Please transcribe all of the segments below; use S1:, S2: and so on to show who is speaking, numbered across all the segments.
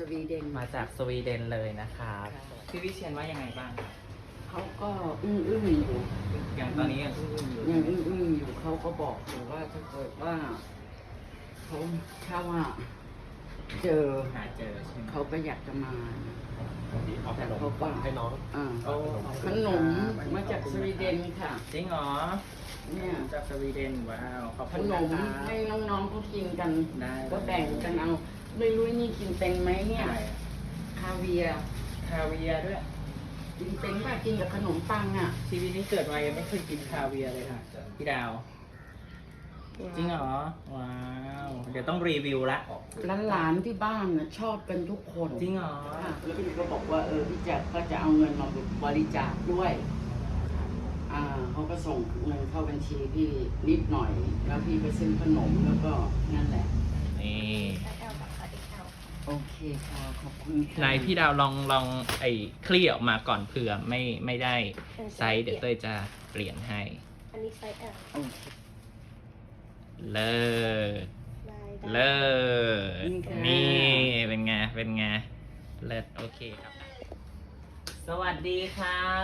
S1: วีเดน
S2: มาจากสวีเดนเลยนะครับพี่วิเชียนว่ายังไงบ้าง
S1: เขาก็อึ้งอยู่
S2: อย่างตอนนี้ยังอึ้งอยู่
S1: ยังอึ้งอยู่เขาก็บอกอยู่ว่าถ้าเกิดว่าเขาถ้าว่าเจอ
S2: หาเจอใช่ไหม
S1: เขาก็อยากจะมา
S3: เอาข
S1: แต่
S3: นม
S1: เขาก็
S3: ให้น้อง
S2: โอ้
S1: ขนมมาจากสวีเดนค่ะ
S2: จริงเหรอ
S1: เนี่ย
S2: จากสวีเดนว้าวขอบ
S1: ข
S2: คุณ
S1: น
S2: นะ
S1: ม
S2: ครับ
S1: ให้น้องๆเขากินกัน
S2: ได้
S1: ก็แบ่งกันเอาไม่รู้นี่กินเป็นไหมเนี่ย
S2: อะไรอะ
S1: คาเวียร์
S2: คาเวียร์ด้วย
S1: กินเป็นป่ะกินกับขนมปังอ่ะ
S2: ชีวิตนี้เกิดมายังไม่เคยกินคาเวียร์เลยค่ะพี่ดาว จริงเหรอ ว้าว เดี๋ยวต้องรีวิวละ
S1: หลานๆที่บ้านน่ะชอบกันทุกคน
S2: จริงเหรอ
S1: ค่ะแล้วพี่ก็บอกว่าพี่แจ็คก็จะเอาเงินมาบริจาคด้วยเขาก็ส่งเงินเข้าบัญชีพี่นิดหน่อย แล้วพี่ก็ซื้อขนมแล้วก็นั่นแหละ
S2: นี่
S1: โอเคค่ะขอบคุณค่ะ
S2: นายพี่ดาวลองไอ้คลี่ออกมาก่อนเผื่อไม่ได้ไซส์เดี๋ยวเต้ยจะเปลี่ยนให้
S4: อันนี้ไซส์ L
S1: โอเค
S2: เลิศ
S4: ได้
S2: เลิศ
S1: นี่ค่ะ
S2: นี่เป็นไง เป็นไง เลิศโอเคครับ สวัสดีครับ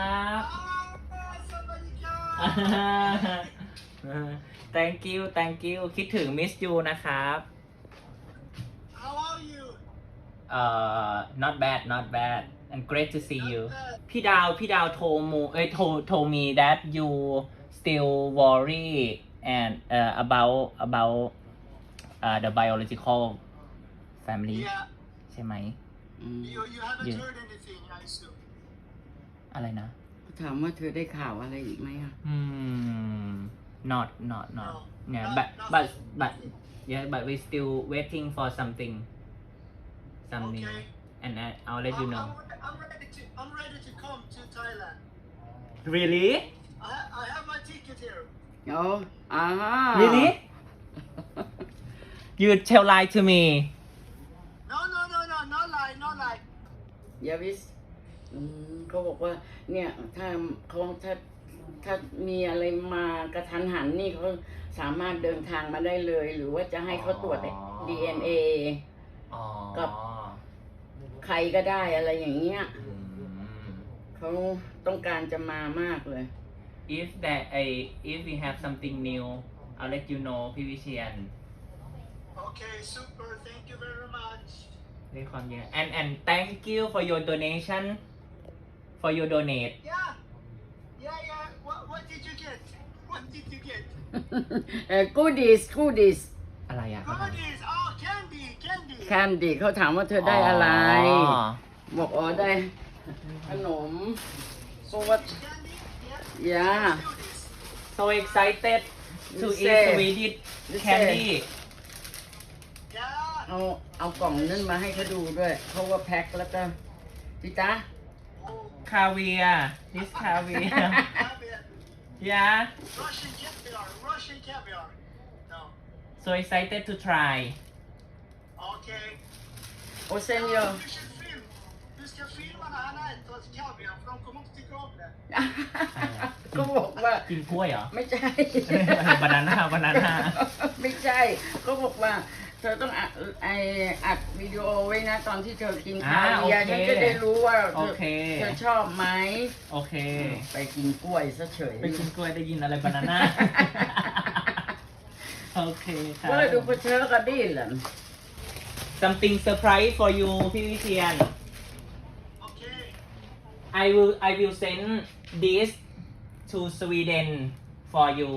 S2: thank you thank you คิดถึง miss you นะครับ
S5: How are you?
S2: not bad not bad and great to see you พี่ดาวโทรโทรมี that you still worry and about the biological family
S5: Yeah.
S2: ใช่ไหม
S1: อืม
S5: You haven't
S2: Yeah.
S5: heard anything, I assume.
S2: อะไรนะ
S1: ถามว่าเธอได้ข่าวอะไรอีกไหมอ่ะ
S2: not
S5: No.
S2: yeah
S5: Not-
S2: but
S5: nothing.
S2: yeah but we still waiting for something
S5: Okay.
S2: and I'll let you know
S5: I'm ready to come to Thailand.
S2: really
S5: I have my ticket here.
S1: เดี๋ยว
S2: really you tell lie to me
S5: No, not lie, not lie.
S1: ยาวิสเขาบอกว่า เนี่ยถ้ามีอะไรมากระทันหันนี่เขาสามารถเดินทางมาได้เลย หรือว่าจะให้เขาตรวจ
S2: อ๋อ
S1: DNA
S2: อ๋อ
S1: กับ ใครก็ได้อะไรอย่างเงี้ย
S2: อืม
S1: เขาต้องการจะมามากเลย
S2: if we have something new I'll let you know พี่วิเชียน
S5: Okay, super. Thank you very much.
S2: ด้วยความเยอะ and thank you for your donation for your donate
S5: Yeah. What did you get? What did you get?
S1: goodies
S2: อะไรอ่ะ
S5: Goodies. Oh, candy.
S1: แคนดี้เขาถามว่าเธอได้อะไร
S2: อ๋อ
S1: บอกได้ขนมเพราะว่า
S5: Candy? Yeah.
S1: Yeah.
S5: Let's do this.
S2: so excited to
S1: You
S2: eat
S1: say-
S2: Swedish
S1: you
S2: candy
S5: Yeah.
S1: เอากล่องนั้นมาให้เขาดูด้วยเขาว่าแพ็คแล้วก็พี่จ๊ะ
S5: Oh,
S2: คาเวีย this คาเวีย
S5: caviar.
S2: yeah
S5: Russian caviar. No.
S2: so excited to try
S5: Okay.
S1: โอเซนโย
S5: Du ska film. Du ska filma när han äter kaviar för de kommer inte tycka om det.
S1: ก็บอกว่า
S2: กินกล้วยเหรอ
S1: ไม่ใช่
S2: บานาน่า
S1: ไม่ใช่ ก็บอกว่า เธอต้องอัดวิดีโอไว้นะ ตอนที่เธอกินคาเวียร์
S2: โอเค
S1: ฉันจะได้รู้ว่า
S2: โอเค
S1: เธอชอบไหม
S2: โอเค
S1: ไปกินกล้วยซะเฉย
S2: ไปกินกล้วยได้ยินอะไรบานาน่า โอเคครับ
S1: ก็เลยดูไปเชื้อกันดิเหรอ
S2: something surprise for you พี่วิเชียน
S5: Okay.
S2: I will send this to Sweden for you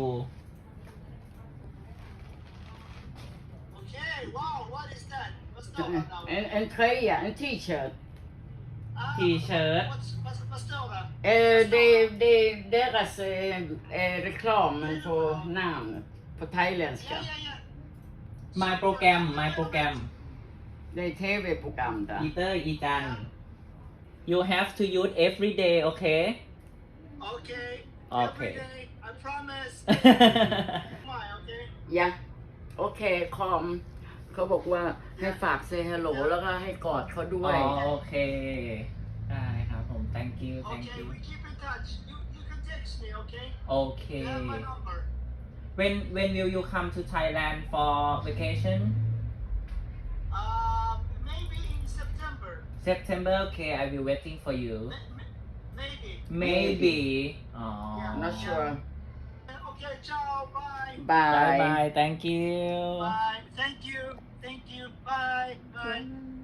S5: Okay. Wow. What is that? What's that now?
S1: and tröja and t-shirt
S5: Ah,
S2: T-shirt.
S5: Vad står det?
S1: deras reklam på namn på thailändska
S5: Ja.
S2: my program
S1: det är tv-program där
S2: อีเตอร์อีจัน you have to use every day okay
S5: Okay.
S2: Okay.
S5: Every day. I promise. My, okay.
S1: ยะโอเคคอมเขาบอกว่าให้ฝากเซฮัลโหลแล้วก็ให้กอดเขาด้ว
S2: อ๋
S1: ย
S2: อโอเค ได้ครับผม thank you thank
S5: Okay.
S2: you
S5: We keep in touch. You can text me, okay?
S2: โอเค
S5: You have my number.
S2: when will you come to Thailand for vacation
S5: Maybe in September.
S2: September okay I will waiting for you
S5: Maybe.
S2: maybe อ๋อ
S1: not sure
S5: Okay, ciao, bye.
S2: bye
S1: bye
S2: bye thank you
S5: Bye. Thank you. Thank you. Bye. Bye.